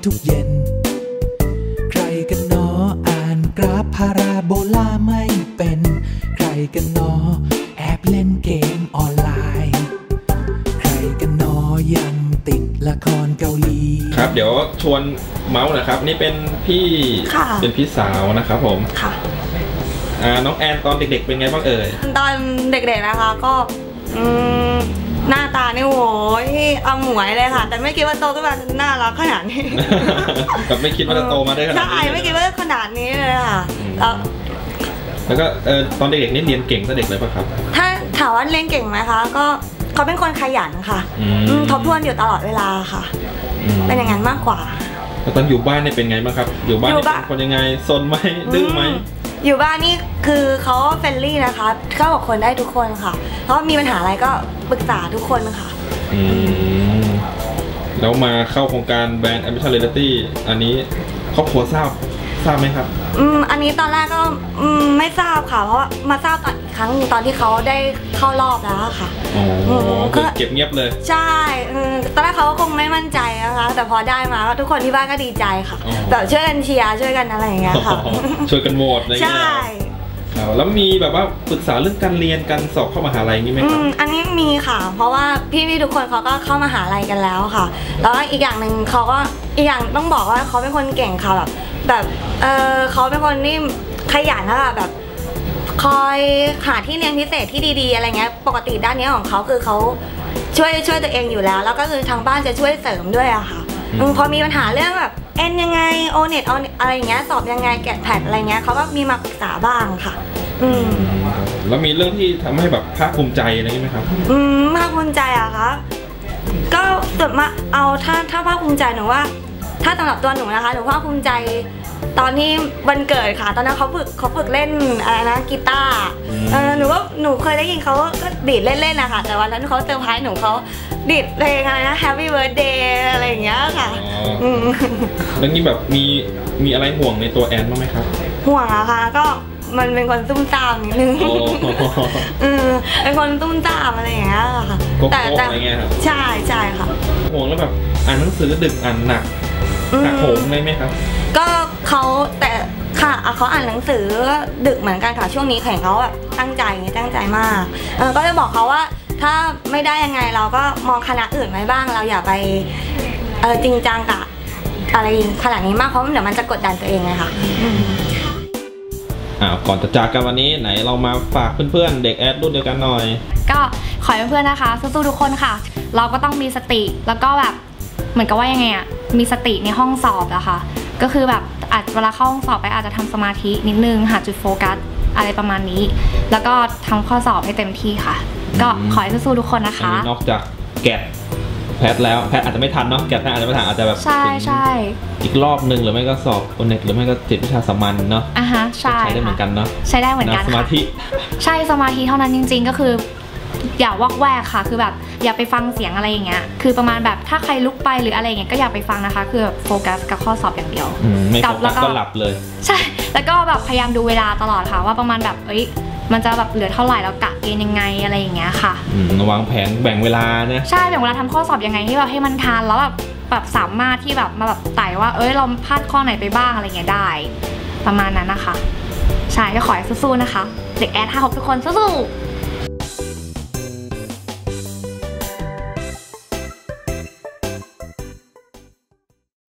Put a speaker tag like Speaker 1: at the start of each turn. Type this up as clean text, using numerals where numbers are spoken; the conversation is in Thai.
Speaker 1: ทุกเย็นใครกันหนออ่านกราฟพาราโบลาไม่เป็นใครกันหนอแอบเล่นเกมออนไลน์ใครกันหนอยังติดละครเกาหลี
Speaker 2: ครับเดี๋ยวชวนเมาส์นะครับนี่เป็นพี่สาวนะครับผมค่ะน้องแอนตอนเด็กๆเป็นไงบ้างเอ่ย
Speaker 3: ตอนเด็กๆนะคะก็หน้าตานี่โว้ยเอาหมวยเลยค่ะแต่ไม่คิดว่าโตขึ้นมาน่ารักขนาดนี้
Speaker 2: กับไม่คิดว่าจะโตมาได้ขนาดนี้ใช่
Speaker 3: ไม่คิดว่าขนาดนี้เลยค่ะ
Speaker 2: แล้วก็ตอนเด็กๆนี่เรียนเก่งตั้งแต่เด็กเลยป่ะครับ
Speaker 3: ถ้าถามว่าเรียนเก่งไหมคะก็เขาเป็นคนขยันค่ะทบทวนอยู่ตลอดเวลาค่ะเป็นอย่างนั้นมากกว่า
Speaker 2: แล้วตอนอยู่บ้านเนี่ยเป็นไงบ้างครับอยู่บ้านเป็นคนยังไงซนไหมดื้อไหม
Speaker 3: อยู่บ้านนี่คือเขาเฟรนลี่นะคะเข้ากับคนได้ทุกคนค่ะเพราะมีปัญหาอะไรก็ปรึกษาทุกคนค่ะ
Speaker 2: แล้วมาเข้าโครงการแบรนด์ Ambition Reality อันนี้ครอบครัวทราบไหมครับ
Speaker 3: อันนี้ตอนแรกก็ไม่ทราบค่ะเพราะมาทราบตอนอีกครั้งตอนที่เขาได้เข้ารอบแล้วค่ะ
Speaker 2: คือเก็บเงียบเลย
Speaker 3: ใช่ตอนแรกเขาก็คงไม่มั่นใจนะคะแต่พอได้มาทุกคนที่บ้านก็ดีใจค่ะแบบช่วยกันเชียร์ช่วยกันอะไรอย่างเงี้ยค่ะ
Speaker 2: ช่วยกันโหวตอะไรอย่างเงี้ยใช่แล้วมีแบบว่าปรึกษาเรื่องการเรียนการสอบเข้ามหาลัยนี่ไหมครับ
Speaker 3: อันนี้มีค่ะเพราะว่าพี่ทุกคนเขาก็เข้ามหาลัยกันแล้วค่ะแล้วอีกอย่างหนึ่งเขาก็อีกอย่างต้องบอกว่าเขาเป็นคนเก่งค่ะแบบเขาเป็นคนที่ขยันนะคะแบบคอยหาที่เรียนพิเศษที่ดีๆอะไรเงี้ยปกติด้านนี้ของเขาคือเขาช่วยตัวเองอยู่แล้วแล้วก็คือทางบ้านจะช่วยเสริมด้วยอะค่ะพอมีปัญหาเรื่องแบบเอ็นยังไงโอเน็ตอะไรอย่างเงี้ยสอบยังไงแกะแพดอะไรเงี้ยเขาก็มีมาปรึกษาบ้างค่ะ
Speaker 2: แล้วมีเรื่องที่ทำให้แบบภาคภูมิใจอะไรไหมครับ
Speaker 3: ภาคภูมิใจอะคะก็สุดมาเอาถ้าภาคภูมิใจหนูว่าถ้าสำหรับตัวหนูนะคะหนูภาคภูมิใจตอนที่วันเกิดค่ะตอนนั้นเขาฝึกเล่นอะไรนะกีตาร์หนูว่าหนูเคยได้ยินเขาก็ดีดเล่นๆนะคะแต่วันนั้นเขาเซอร์ไพรส์หนูเขาดีดเพลงอะไรนะ Happy Birthday อะไรอย่างเงี้ยค่ะ
Speaker 2: แล้วนี่แบบมีอะไรห่วงในตัวแอนบ้างไหมครับ
Speaker 3: ห่วงอะค่ะก็มันเป็นคนตุ้มตามนิดนึงเป็นคนตุ้มตามอะไรอย่างเงี้ยค่ะ
Speaker 2: แต่อะไรเงี้ยครับ
Speaker 3: ใช่ค่ะ
Speaker 2: ห่วงแล้วแบบอ่านหนังสือดึกอ่านหนักโหมได้ไหมครับ
Speaker 3: ก็เขาแต่ค่ะเขาอ่านหนังสือดึกเหมือนกันค่ะช่วงนี้แข่งเขาแบบตั้งใจมากก็จะบอกเขาว่าถ้าไม่ได้ยังไงเราก็มองคณะอื่นไว้บ้างเราอย่าไปจริงจังกับอะไรขนาดนี้มากเพราะเดี๋ยวมันจะกดดันตัวเองไงค่ะ
Speaker 2: ก่อนจะจากกันวันนี้ไหนเรามาฝากเพื่อนๆเด็กแอดรุ่นเดียวกันหน่อย
Speaker 4: ก็ขอให้เพื่อนๆนะคะสู้ๆทุกคนค่ะเราก็ต้องมีสติแล้วก็แบบเหมือนกับว่ายังไงอะมีสติในห้องสอบอะค่ะก็คือแบบอาจเวลาเข้าห้องสอบไปอาจจะทำสมาธินิดนึงหาจุดโฟกัสอะไรประมาณนี้แล้วก็ทำข้อสอบให้เต็มที่ค่ะก็ขอให้สู้ๆทุกคนนะคะ
Speaker 2: นอกจากแกะแพทแล้วแพทอาจจะไม่ทันเนาะแกะแพทอาจจะไม่ทันอาจจะแบบ
Speaker 4: ใช่
Speaker 2: อีกรอบนึงหรือไม่ก็สอบโอเน็ตหรือไม่ก็จิตวิชาสามัญเนาะ
Speaker 4: ใช่
Speaker 2: ได้เหมือนกันเนาะ
Speaker 4: ใช้ได้เหมือนกัน
Speaker 2: สมาธิ
Speaker 4: ใช่สมาธิเท่านั้นจริงๆก็คืออย่าวอกแวกค่ะคือแบบอย่าไปฟังเสียงอะไรอย่างเงี้ยคือประมาณแบบถ้าใครลุกไปหรืออะไรอย่างเงี้ยก็อย่าไปฟังนะคะคือแบบโฟกัสกับข้อสอบอย่างเดียว
Speaker 2: ไม่โฟกัสก็หลับเลย
Speaker 4: ใช่แล้วก็แบบพยายามดูเวลาตลอดค่ะว่าประมาณแบบมันจะแบบเหลือเท่าไหร่แล้วกะเกณฑ์ยังไงอะไรอย่างเงี้ยค่ะ
Speaker 2: วางแผนแบ่งเวลาเนี่ย
Speaker 4: ใช่แบ่งเวลาทำข้อสอบยังไงที่แบบให้มันทันแล้วแบบสามารถที่แบบมาแบบไต่ว่าเราพลาดข้อไหนไปบ้างอะไรเงี้ยได้ประมาณนั้นนะคะใช่ก็ขอให้สู้ๆนะคะเด็กแอด56ทุกคนสู้ๆ